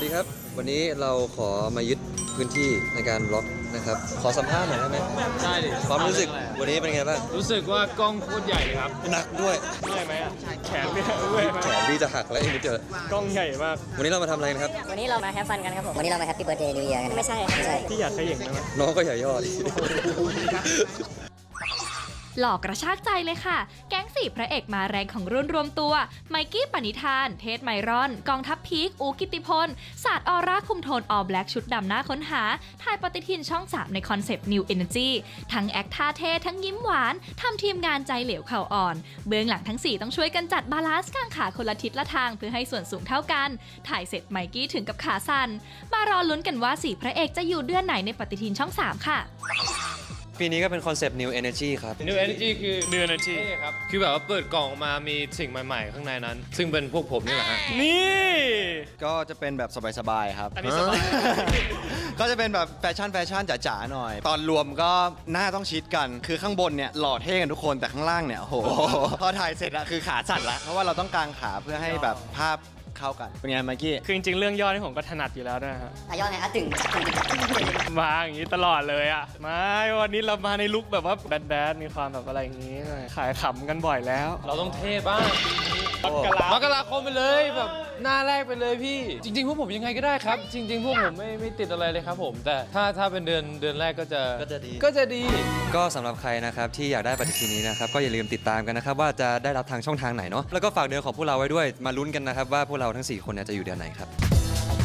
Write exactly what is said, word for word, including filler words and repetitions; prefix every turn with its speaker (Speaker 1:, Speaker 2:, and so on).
Speaker 1: ครับวันนี้เราขอมายึดพื้นที่ในการบล็อกนะครับขอสัมภาษณ์หน่อยได้ไหม
Speaker 2: ได้ดิ
Speaker 1: ความรู้สึกวันนี้เป็นไงบ้าง
Speaker 2: รู้สึกว่ากล้องโคตรใหญ่เลยครับ
Speaker 1: หนักด้วย
Speaker 2: เมื่อยไหมอ่ะแขนเนี่ยเมื่อย
Speaker 1: แขนพี่จะหักแล้วอีกนิดเดียว
Speaker 2: กล้องใหญ่มาก
Speaker 1: วันนี้เรามาทำอะไรนะครับ
Speaker 3: วันนี้เรามาแฮปฟันกันครับผมวันนี้เรามาแฮปปี้เบิร์ธเดย์นิวเยียร์กันไม่ใช่ไม่ใช่
Speaker 2: ที่อยากขย่งนะ
Speaker 1: น้องก็อย่าย่อดิ
Speaker 4: หลอกกระชากใจเลยค่ะแก๊งสี่พระเอกมาแรงของรุ่นรวมตัวไมกี้ปณิธานเทสไมรอนกองทัพพีคอูกิติพลศาสตร์ออร่าคุมโทนออ แบล็กชุดดำหน้าค้นหาถ่ายปฏิทินช่องสามในคอนเซปต์ New Energy ทั้งแอคท่าเท่ทั้งยิ้มหวานทำทีมงานใจเหลวเข่าอ่อนเบื้องหลังทั้งสี่ต้องช่วยกันจัดบาลานซ์กางขาคนละทิศละทางเพื่อให้ส่วนสูงเท่ากันถ่ายเสร็จไมกี้ถึงกับขาสั่นมารอลุ้นกันว่าสี่พระเอกจะอยู่เดือนไหนในปฏิทินช่องสามค่ะ
Speaker 1: ปีนี้ก็เป็นคอนเซปต์ New Energy ครับ
Speaker 2: New Energy คือ New Energy ครับคือแบบว่าเปิดกล่องออกมามีสิ่งใหม่ๆข้างในนั้นซึ่งเป็นพวกผมนี่แหละฮะนี่
Speaker 5: ก็จะเป็นแบบสบายๆครับ
Speaker 2: อันนี้สบาย
Speaker 5: ก็จะเป็นแบบแฟชั่นแฟชั่นจ๋าๆหน่อยตอนรวมก็หน้าต้องชิดกันคือข้างบนเนี่ยหล่อเท่กันทุกคนแต่ข้างล่างเนี่ยโอ้โหพอถ่ายเสร็จอะคือขาสั่นละเพราะว่าเราต้องกางขาเพื่อให้แบบภาพเข้ากันเป็นไงเมื่อกี้
Speaker 2: คือจริงๆเรื่องย่อนี่ผมก็ถนัดอยู่แล้วนะฮะ
Speaker 3: อายอดไงอ่ะตึงตึงตึงตึง
Speaker 2: มาอย่างนี้ตลอดเลยอ่ะมาวันนี้เรามาในลุคแบบว่าแบดๆมีความแบบอะไรอย่างนี้ขายขำกันบ่อยแล้วเราต้องเท่บ้างมกรามกราคมไปเลยแบบหน้าแรกไปเลยพี่จริงๆพวกผมยังไงก็ได้ครับจริงๆพวกผมไม่ไม่ติดอะไรเลยครับผมแต่ถ้าถ้าเป็นเดือนเดือนแรกก็จะ
Speaker 1: ก็จะดี
Speaker 2: ก็จะดี
Speaker 1: ก็สำหรับใครนะครับที่อยากได้ปฏิทินนี้นะครับก็อย่าลืมติดตามกันนะครับว่าจะได้รับทางช่องทางไหนเนาะแล้วก็ฝากเดือนของพวกเราไว้ด้วยมาลุ้นกันนะครับว่าพวกเราทั้งสี่คนเนี่ยจะอยู่เดือนไหนครับ